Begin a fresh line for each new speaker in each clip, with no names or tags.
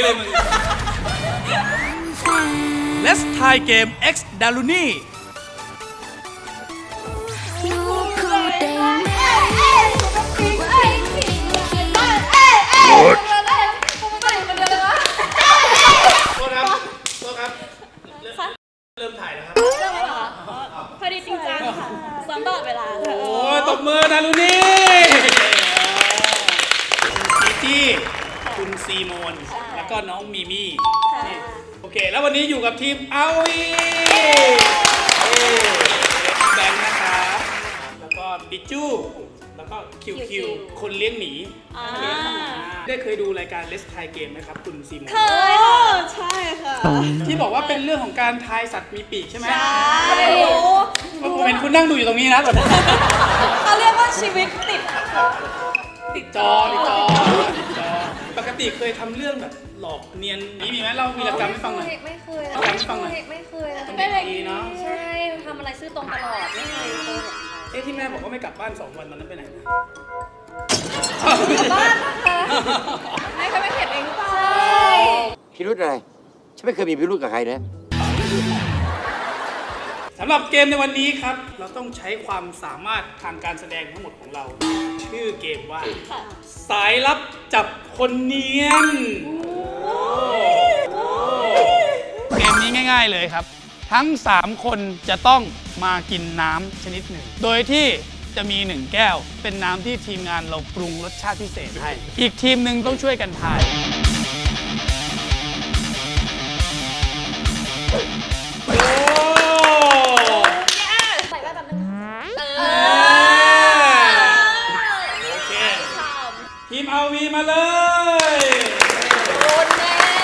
เลยมึง Let's Thai Game X Daruni เริ่มถ่ายแล้วครับ
เริ่มแล้วเหรอพอดีจริงจังค่ะซ้อมตลอดเวลาค่ะ
โอ้ยตบมือดารุณีคุณจีจี้คุณซีโมนแล้วก็น้องมีมี่โอเคแล้ววันนี้อยู่กับทีมเอาวีแบงค์นะครับแล้วก็บิจูแล้วก็คิวคนเลี้ยงหมีได้เคยดูรายการ Let's Thai Game ไหมครับคุณซีโมน
เคยใช่ค่ะ
ที่บอกว่าเป็นเรื่องของการทายสัตว์มีปีกใช่ไหม
ใช่
ผมเห็นคุณนั่งดูอยู่ตรงนี้นะตอนนี้
เขาเรียกว่าชีวิตติด
จอปกติเคยทำเรื่องแบบหลอกเนียนนี้มีไหมเล่าวีรกรรมให้ฟังหน่อย
ไม่เคย
เล่าให้ฟังหน่อย
ไม่เคย
เป็นเด็กดีเนาะ
ใช่ทำอะไรซื่อตรงตลอดไม่เคยโกหกใคร
ที่แม่บอกว่าไม่กลับบ้าน2 วันตอนนั้นไปไหนนะ
บ้านนะคะไม่เคยไม่เห็นเองหรือเปล่าใช่
พิรุธอะไรฉันไม่เคยมีพิรุธกับใครนะ
สำหรับเกมในวันนี้ครับเราต้องใช้ความสามารถทางการแสดงทั้งหมดของเรา ชื่อเกมว่าสายลับจับคนเนียนเกมนี้ง่ายๆเลยครับ ทั้ง3คนจะต้องมากินน้ำชนิดหนึ่งโดยที่จะมี1แก้วเป็นน้ำที่ทีมงานเราปรุงรสชาติพิเศษให้อีกทีมหนึ่งต้องช่วยกันทาย
ใส่แว่นแบบนึง
โอเคทีมเอาวีมาเลย
โดนแน่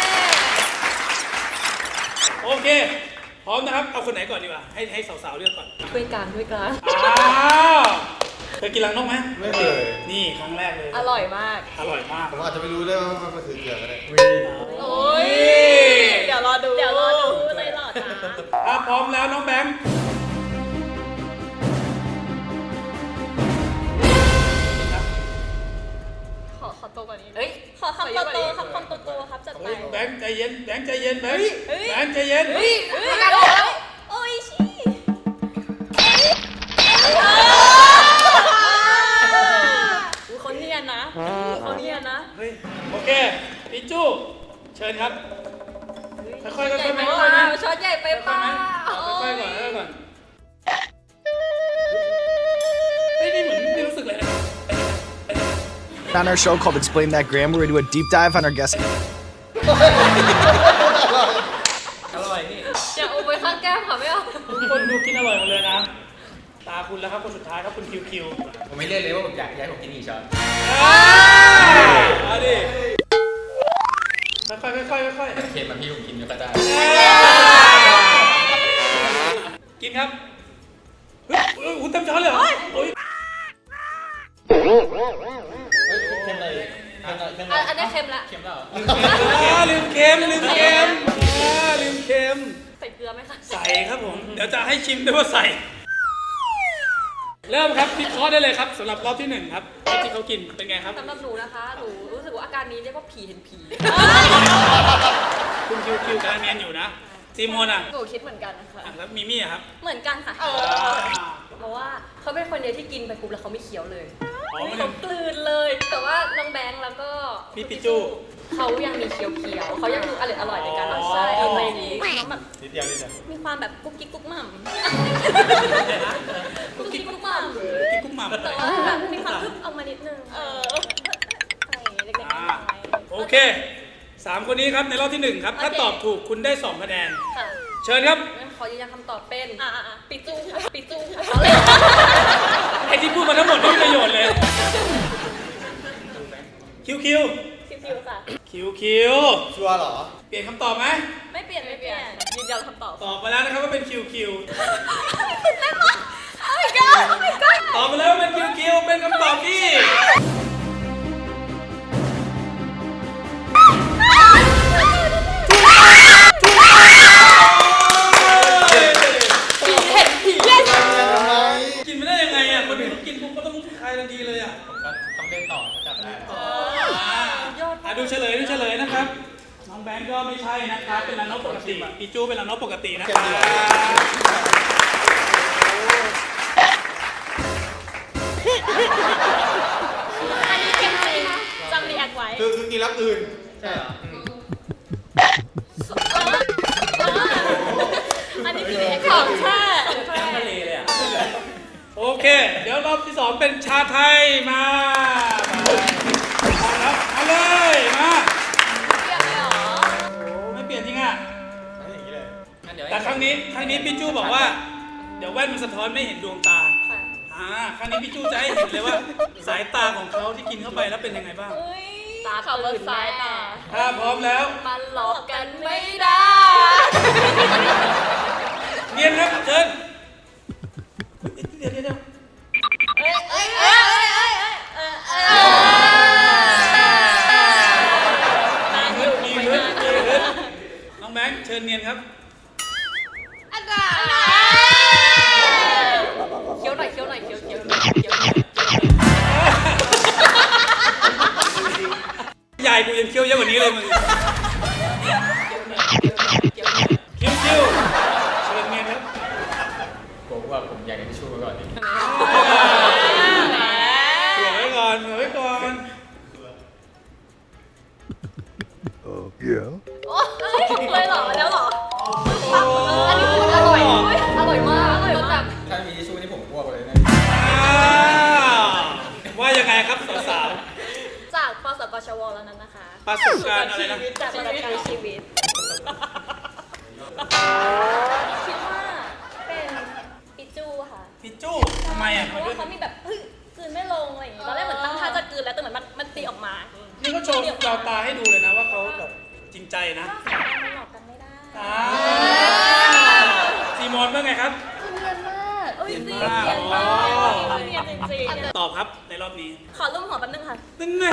โอเคพร้อมนะครับเอาคนไหนก่อนดีกว่าให้สาวๆเลือกก่อน
ด้วยกัน
อ้าวเคยกินรังนกไหม
ไม่เคย
นี่ครั้งแรกเลย
อร่อยมาก
อร่อยมาก
ผมอาจจะไม่รู้ได้ว่ามันคือเกลือก็ได้
โอ้ยเดี๋ยวรอดู
เลยหล่อจ้า
ถ้าพร้อมแล้วน้องแบงค์
ขอโตกว่านี้
เฮ้ย
ขอคำโตๆคำโตๆครับจัดไป
แบงค์ใจเย็นแบงค์ใจเย็นแบงค์แบงค์ใจเย็น
โอ้ยชี่เขาเนียนนะเขาเนียนนะ
เฮ้ยโอเคปิจูเชิญครับค่อยๆค่อยๆ
ไป
ค่
เป
อยๆ
ล่า
นะ
ช็อตใหญ่ไปเปล่า
ค่อยๆก่อนค่อยๆก่อนเฮ้ยนี่เหมือนไม่รู้สึกเลยนะ
On our show called Explain That Gram, where we do a deep dive on our guests.
อย่าเอาไปข้างแก้มค่ะไม่เอา
ทุกคนดูกินอร่อยหมดเลยนะตาคุณแล้วครับคนสุดท้ายครับคุณคิว
ผมไม่เล่นเลยว่าผมอยากให้ผมกินอีกช้อน
เอาดิค่อยๆค่อยๆค่อยๆ
เค็มมาพี่ผมกินไม่ค่อยได้
กินครับเฮ้ยคุณเต็มช้อนเลยเหรอโอ้ย
เค็มเลยเค็มเลย
อันนี้เค็มละ
เค็มแล้ว
ลืมเค็มลืมเค็ม
ใส่เกลือไหมคะ
ใส่ครับผมเดี๋ยวจะให้ชิมด้วยว่าใส่เริ่มครับพิเคราะห์ได้เลยครับสำหรับรอบที่1ครับรอบที่เขากินเป็นไงครับ
สำหรับหนูนะคะหนูรู้สึกว่าอาการนี้เรียกว่าผีเห็นผี
คุณคิวกำลังเนียนอยู่นะซีโมนอ่ะ
หนูคิดเหมือนกันนะคะ
แล้วมีมี่อะครับ
เหมือนกันค่ะ
เพราะว่าเขาเป็นคนเดียวที่กินไปปุ๊บแล้วเขาไม่เคี้ยวเลย
อ๋อมัน
เขากลืนเลย แต่ว่าน้องแบงค์แล้วก็
พี่ปิจู
เขายังมีเคี้ยวเขายังดูอร่อยในการรับ
อ๋อ
ใช้อะไรอย่างนี้น้องแบบ
นิดเดียว
มีความแบบกุ๊กกิ๊กกุ๊กหม่ำ
กุ๊กกิ๊กกุ๊กหม่ำ
กินกุ้งหม่ำ
แต่ว่าแบบมีความคึบออกมานิดนึงอะไรเล็กๆน้อย
โอเค3คนนี้ครับในรอบที่1ครับถ้าตอบถูกคุณได้2คะแนน
ค่ะ
เชิญครับ
งั้นขอยืนยันคำตอบเป็น
ปิจูค่ะปิจูค่ะ
ไอที่พูดมาทั้งหมดไม่มีประโยชน์เลยคิว
คิวค่ะ
ชัวร์เหรอ
เปลี่ยนคำตอบไหม
ไม่เปลี่ยนยืนยันคำตอบ
ตอบมาแล้วนะครับว่าเป็นคิว
โอ้ my god โอ้ my god
ตอบมาแล้วว่าเป็นคิวเป็นคำตอบที่กินไม่ได้ยังไงอ่ะคนอื่นเขากินปุ๊บก็ต้องคายทันทีเลยอ่ะ
ผมก็ต้องเล่นต่อจับได้
ดูเฉลยนะครับน้องปีจูเป็นรังนกปกตินะครับ
อันนี้เค็มจริงจำรีแอคไว้
คือกินแล้วอื่น ใช่เหรอ
อันนี้คือรีแอคของแท้
ทะเลเลยอ่ะโอเค เดี๋ยวรอบที่ 2 เป็นชาไทยมาครับเอาเลยมา
เปลี่ยนเลยเหรอ
โอ้ไม่เปลี่ยนจริงอ่ะ
ไม่อย่างนี้เลยงั้นเดี๋ยว
แต่ครั้งนี้พี่จู้บอกว่า เดี๋ยวแว่นมันสะท้อนไม่เห็นดวงตาครั้งนี้พี่จู้จะให้เห็นเลยว่า สายตาของเขาที่กินเข้าไปแล้วเป็นยังไงบ้าง
ตาขับรถซ้ายตา
ถ้าพร้อมแล้ว
มันหลอกกันไม่ได้
เนียนครับเชิญเดี๋ยว มีฮึดน้องแบงค์เชิญเนียนครับ
เคี้ยวหน่อยเคี้ยวหน่อยเคี้ยว
ใหญ่กูยังเคี้ยวเยอะกว่านี้เลยมึงคิ้วเชิญเนียนครับ
ผมว่าผมอยากได้ทิชชู่ไว้ก่อนดิ
เผื่อไว้ก่อน
เลยเหรอแล้วเหรอ
อันนี้คือมันอร่อยอร่อยมากจนแบบ
ถ้ามีทิชชู่นี่ผมอ้วกเลยนะ
ว่ายังไงครับสาว
จากปสกชวแล้วนั้นนะคะ
ๆประสบการณ์อะไรนะ
จากประสบการณ์ชีวิต คิดว่าเป็นปิจูค่ะ
พี่จู้ทำไมอ่ะ
เพราะว่าเขามีแบบเฮ้ยกลืนไม่ลงอะไรอย่างงี้ตอนแรกเหมือนตั้งท่าจะกลืนแล้วแต่เหมือนมันตีออกมา
นี่ก็โชว์เราตาให้ดูเลยนะว่าเขาแบบจริงใจนะ
สายตามันหลอกกันไม่ได้
ซีมอนว่าไงครับ
คือเนียนมากเอ้ยจริง
เนี
เนี
ย
ย
น
น
มาม
าก กเนียนจริงๆ
ตอบครับในรอบนี้
ขอรูปหัวแป๊บนึงค่ะ
นั่นไง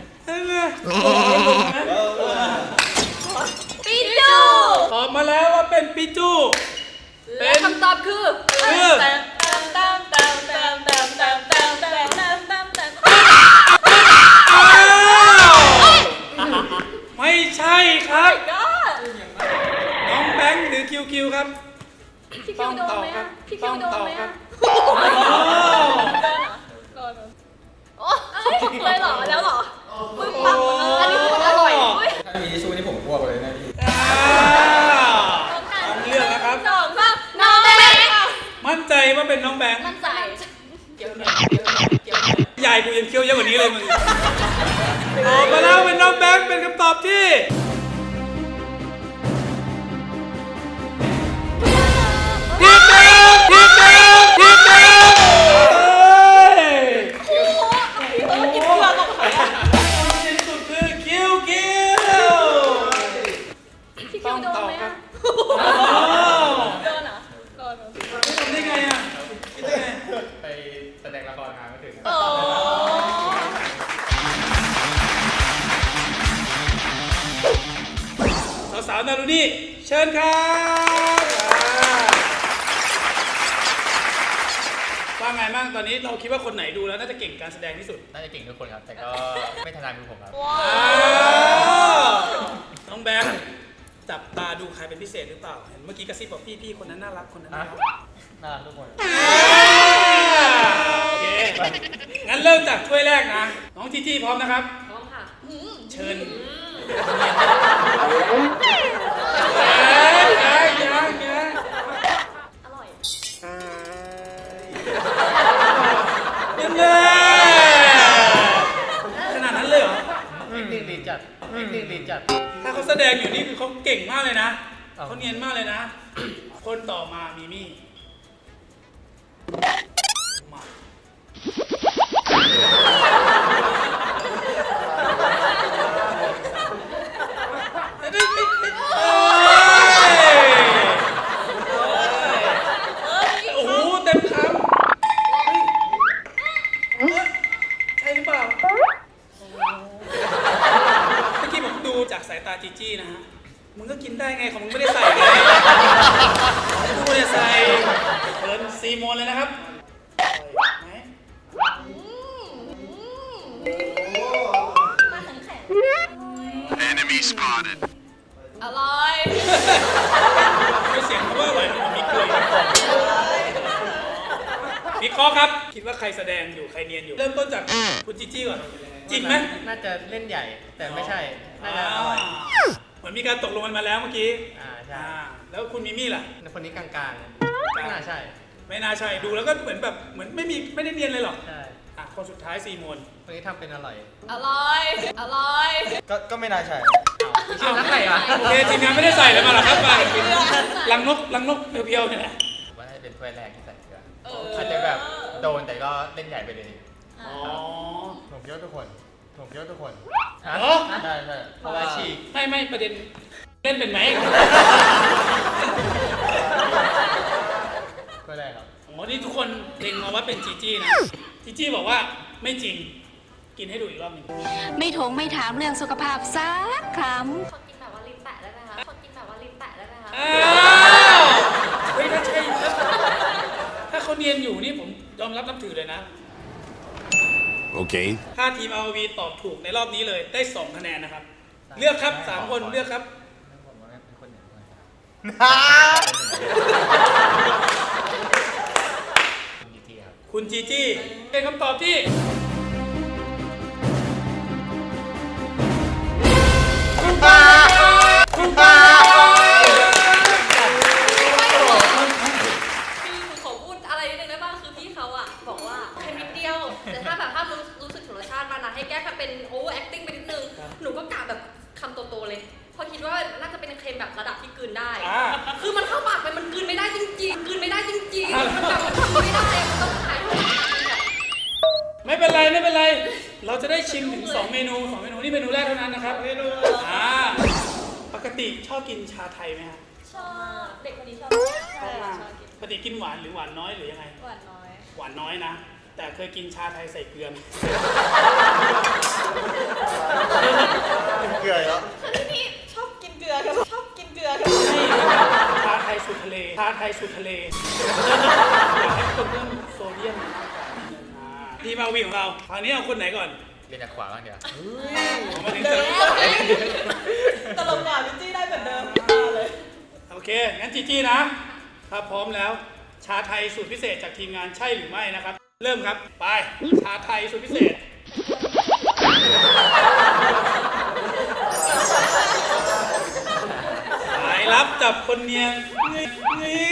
ปิจู
ตอบมาแล้วว่าเป็นปิจู
และคำตอบคือ
ไม่ใช่ครับ น้องแบงค์หรือคิวคิวครับ
พี่คิวโดนไหมอะพี่คิวโดนไหมอะ โอ้เลยเหรอแล้วเหรอปึ๊บปั๊บอันนี้คือมันอร่อย
ถ้ามีทิชชู่นี่ผมอ้วกเลยนะพี่
ต้องเลือกนะครับ
2 3น้องแบงค์
มั่นใจว่าเป็นน้องแบงค์
มั่นใจ
ใหญ่กูยังเคี้ยวเยอะกว่านี้เลยมึงตอบมาแล้วเป็นน้องแบงค์เป็นคำตอบที่ผิด
กินเปลือกของเขา
ที่สุดคือคิวคิว
พี่คิวโดนไหมอะโดนเหรอโดน
ทำได้ไงอ่ะ
ไปแสดงละครมาไม่ถึง
โอ้
สาวๆนารุนี่เชิญครับว่าไงบ้างตอนนี้เราคิดว่าคนไหนดูแล้วน่าจะเก่งการแสดงที่สุด
น่าจะเก่งทุกคนครับ แต่ก็ไม่ถนัดมือผมครับ
น้องแบงค์จับตาดูใครเป็นพิเศษหรือเปล่าเห็นเมื่อกี้กระซิบบอกพี่คนนั้นน่ารักคนนั้นน่ารัก
น่ารักทุกคน
โอเคงั้นเริ่มจากถ้วยแรกนะ น้องจีจี้พร้อมนะครับ
พร้อมค่ะ
เชิญยัง
อร่อย
ยังไงขนาดนั้นเลยเหรอ
ดีจัดดีจัด
ถ้าเขาแสดงอยู่นี่คือเขาเก่งมากเลยนะ เขาเนียนมากเลยนะ คนต่อมามีมี่มาโอ้โหเต็มคำใช่หรือเปล่า เมื่อกี้ผมดูจากสายตาจีจี้นะฮะ มึงก็กินได้ไงของมึงไม่ได้ใส่ไงกูเนี่ยใส่เชิญซีโมนเลยนะครับไหน
มาแข็ง
Enemy spotted.
อร่อย
เสียงคำว่าอร่อยมันมีกลิ่นวิเคราะห์ครับ คิดว่าใครแสดงอยู่ใครเนียนอยู่ เริ่มต้นจากคุณจีจี้ก่อนจริงไหม
น่าจะเล่นใหญ่ แต่ไม่ใช่ น่าจะอร่อย
เหมือนมีการตกลงกันมาแล้วเมื่อกี้
ใช่
แล้วคุณมิมี่ล่ะ
คนนี้กลางๆไม่น่าใช่
ไม่น่าใช่ดูแล้วก็เหมือนแบบเหมือนไม่ได้เนียนเลยหรอก
ใช่
คนสุดท้ายซีโมน
คนนี้ทำเป็นอร่อย
อร่อย อร่อย
ก็ไม่น่าใช่
ชื่อนักไหนวะ
โอเคทีมงานไม่ได้ใส่เลยมาหรอครับมาลังนกเพียวๆเนี่ยแหละ
ว่าน่าจะเป็นถ้วยแรกที่ใส่เกลืออาจจะแบบโดนแต่ก็เล่นใหญ่ไปเลย
อ๋อ
ผมคิดว่าทุกคน
เหรอ
ใช่เพราะว่าฉีก
ไม่ประเด็นเล่นเป็นไหม
ถ้วยแรกครับ
อ๋อนี่ทุกคนเล็งมาว่าเป็นจีจี้นะจีจี้บอกว่าไม่จริงกินให้ดูอีกรอบหนึ่ง
ไม่ถามเรื่องสุขภาพสักคำ
ขอกินแบบว่าลิ้นแปะได้ไหมคะ ขอกินแบบว่าลิ้นแปะได้ไหมคะ
อ้าวเฮ้ยถ้าใช่ถ้าเขาเนียนอยู่นี่ผมยอมรับนับถือเลยนะ
Okay.
ถ้าทีม RV ตอบถูกในรอบนี้เลยได้2คะแนนนะครับ เลือกครับ3คนเลือกครับ
ผมว่าเป็นคนเหนือคนคุณจีจี้ครับ
คุณจีจี้เป็นคำตอบที่ถูกต้อง
คือขอพูดอะไรนิดนึงได้บ้างคือพี่เขาอะบอกว่าแค่นิดเดียว แต่ถ้าแบบถ้ารู้สึกถึงรสชาติมันนะให้แก้ทำเป็นโอเวอร์แอคติ้งไปนิดนึง หนูก็กะแบบคำโตๆเลย เพราะคิดว่าน่าจะเป็นเค็มแบบระดับที่กลืนได้ คือมันเข้าปากไปมันกลืนไม่ได้จริงๆ กลืนไม่ได้จริงๆ มันแบบมันทำไม่ได้มันต้องขายทุกอย่างแบบ
ไม่เป็นไรเราจะได้ชิมถึง2เมนูนี่เมนูแรกเท่านั้นนะครับปกติชอบกินชาไทยไหมครับ
ชอบเด็กคนนี้ชอบใช่ชอบกิน
ปกติกินหวานหรือหวานน้อยหรือยังไง
หวานน้อย
หวานน้อยนะ แต่เคยกินชาไทยใส่เกลือไหม
เกลือแล้ว
คือที่นี่ชอบกินเกลือครับชอบกินเกลือครับ
ชาไทยสูตรทะเลอยากให้คนเพิ่มโซเดียมในร่างกายทีม RV ของเราคราวนี้เอาคนไหนก่อน
เรียนจากขวาบ้างเดี๋ยว
มาถึงจะ
ตลกกว่าพี่จี้ได้เหมือนเดิมเลย
โอเค งั้นจีจี้นะถ้าพร้อมแล้ว ชาไทยสูตรพิเศษจากทีมงานใช่หรือไม่นะครับ เริ่มครับ ไป ชาไทยสูตรพิเศษ สายลับจับคนเนียนนี่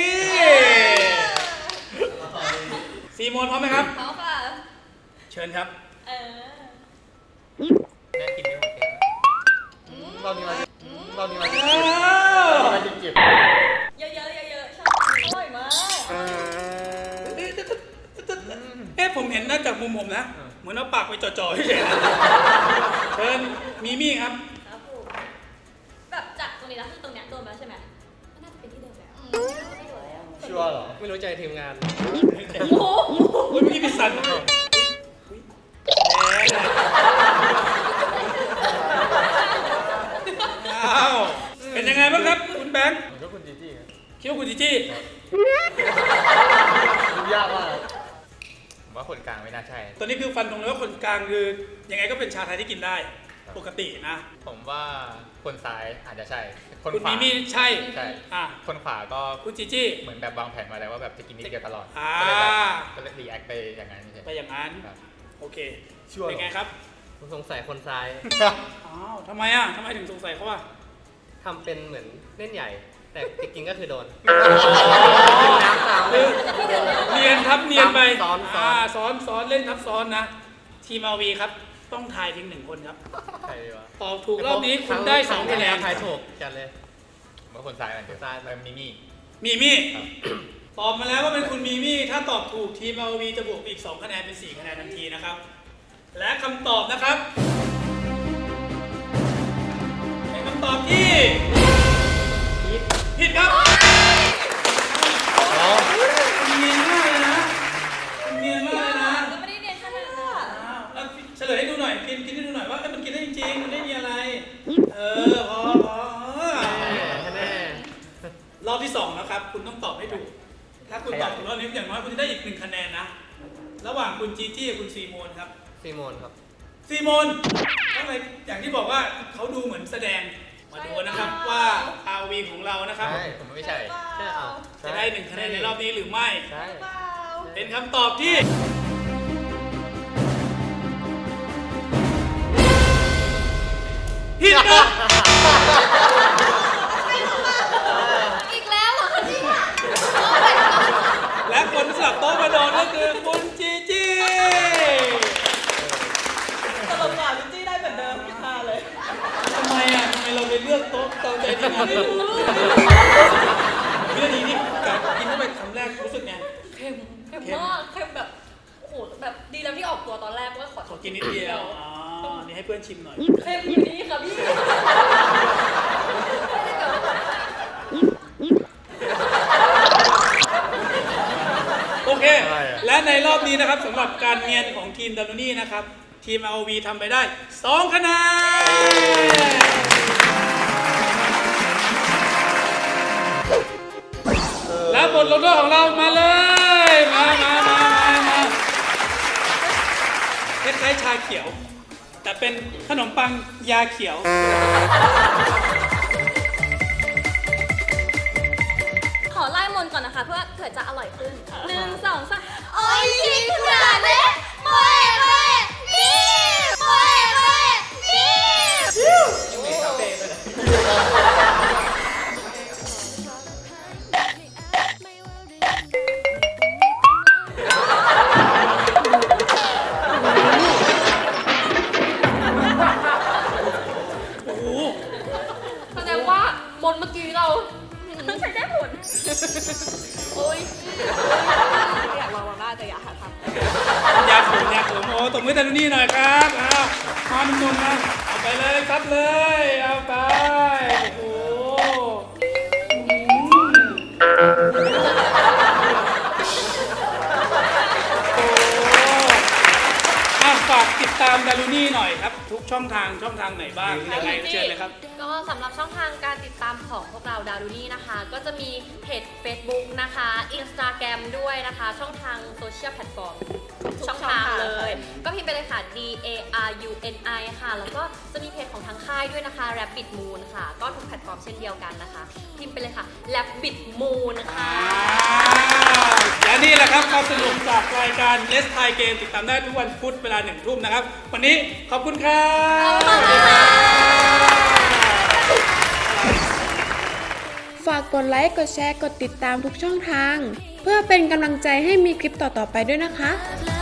ซีโมนพร้อมไหมครับ
เขาค่ะ
เชิญครับ
น่ากินไม่หมดแก้วเรานี่มา
อ้าว
เก็บ
เยอะๆชอบอร่อยมาก
ผมเห็นน่าจากมุมผมนะ เหมือนเอาปากไปจ่อๆเฉยๆนะเชิญมีมี่ครับ
ครับผมแบบจากตรงนี้แล้วคือตรงเนี้ยโดนไปแล้วใช่ไหมก็น่าจะเป็นที่เดิมแล้วไม่โดนแล้ว
ชัวร์เหรอ ไม่รู้ใจทีมงาน
โอ้โห
เมื่อกี้มีสันอ้าวเป็นยังไงบ้างครับ คุณแบงค์
ผมก็คุณจีจี้ครับ
คิดว่าคุณจีจี้
ยากมากผมว่าคนกลางไม่น่าใช่
ตอนนี้คือฟันตรงเลยว่าคนกลางคือยังไงก็เป็นชาไทยที่กินได้ ปกตินะ
ผมว่าคนซ้ายอาจจะใช่ คน
คุณ
ขวา
มีมี่ใช่
ใช่
อ่ะ
คนขวาก็
คุณจีจี้
เหมือนแบบวางแผนมาแล้วว่าแบบจะกินนิดเดียวตลอด
อ่า
ก็เลยรีแอคไปอย่างนั้นใช่
ไปอย่างนั้น
ครับ
โอเคเป็นไงครับ
ผมสงสัยคนซ้าย
อ้าวทำไมอ่ะทำไมถึงสงสัยเขาอ่ะ
ทำเป็นเหมือนเล่นใหญ่ แต่จริงๆก็คือโดน
น้ำตามเลยเนียนทับเนียนไป
ซ้อน
ซ้อนเล่นทับซ้อนนะทีม RV ครับต้องทายเพียง1คนครับ
ใครวะ
ตอบถูกรอบนี้คุณได้2คะแนน
ทายถูกจัดเลย
ผมว่าคนซ้ายมันเดียว
ซ้าย
แล้วมิมี่
มีมี่ตอบมาแล้วว่าเป็นคุณมีมี่ถ้าตอบถูกทีม RV จะบวกอีก2คะแนนเป็น4คะแนนทันทีนะครับ และคำตอบนะครับเป็นคำตอบที่ผิดครับเนียนมากเลยนะเนียนมากเลยนะ
ก็ไม่ได้เรียนขนาดนั้น
แล้วเฉลยให้ดูหน่อยกินให้ดูหน่อยว่ามันกินได้จริงๆมันไม่มีอะไร พอ
แน่
รอบที่2แล้วครับ คุณต้องตอบให้ถูก ถ้าคุณตอบถูกรอบนี้อย่างน้อยคุณจะได้อีก1คะแนนนะ ระหว่างคุณจีจี้กับคุณซีโมนครับ
ซีโมนครับ
ซีโมนก็เลยอย่างที่บอกว่าเขาดูเหมือนแสดงมาดูนะครับว่า RV ของเรานะครับ
ใช่ผมไม่ใช่
ใช่อ่ะ
จะได้1 คะแนนในรอบนี้หรือไม่
ใช่
เป็นคำตอบที่ผิดนะ
อีกแล้วเหรอคะเนี่ย
และคนสลับโต๊ะมาโดนก็คือคุณจีจี
สรุปก่อนลิจี้ได้เหมือนเดิมพี่คาเลย
ทำไมเราไปเลือกโต๊ะตามใจทีมงานไม่รู้วินาทีนี้กับกินเข้าไปคำแรกรู้สึกไง
เค็มมากเค็มแบบโอ้โหแบบดีแล้วที่ออกตัวตอนแรกว่าขอ
ขอกินนิดเดียวอ๋อนี่ให้เพื่อนชิมหน่อย
เค็มอยู่ดีค่ะพี่
โอเค และในรอบนี้นะครับสำหรับการเนียนของทีมดารุนี่นะครับทีม ROV ทำไปได้2 คะแนนและบทลงโทษของเรามาเลยมาคล้ายๆชาเขียว แต่เป็นขนมปังยาเขียว
ขอไล่มนต์ก่อนนะคะเพื่อเผื่อจะอร่อยขึ้น 1 2 3
โอ้ยชิคุระเนะโมเอะนี่โมเอะนี่
โอ้โห
แสดงว่ามนต์เมื่อกี้เราใช้ได้ผล โอ้ยอยากลองมากแต่อยากหาทำ
ยาขมโอ้ตบมือดารุนี่หน่อยครับมาหนุ่มๆนะเอาไปเลยครับเลยเอาไปโอ้ฝากติดตามดารุนี่หน่อยครับ ทุกช่องทางไหนบ้างยังไงเชิญเลยครับ
ก็สำหรับช่องทางการติดตามของพวกเราดารุนี่นะคะ ก็จะมีเพจ Facebook นะคะ Instagram ด้วยนะคะ ช่องทางโซเชียลแพลตฟอร์มทุกช่องทางเลย ก็พิมพ์ไปเลยค่ะ DARUNI ค่ะ แล้วก็จะมีเพจของทางค่ายด้วยนะคะ Rabbit Moon ค่ะ ก็ทุกแพลตฟอร์มเช่นเดียวกันนะคะ พิมพ์ไปเลยค่ะ Rabbit Moon ค่ะ
และนี่แหละครับความสนุกจากรายการ Let's Thai Game ติดตามได้ทุกวันพุธเวลา 1 ทุ่มนะครับ วันนี้ขอบคุณครับ
ฝากกดไลค์ กดแชร์ กดติดตามทุกช่องทาง เพื่อเป็นกำลังใจให้มีคลิปต่อๆไปด้วยนะคะ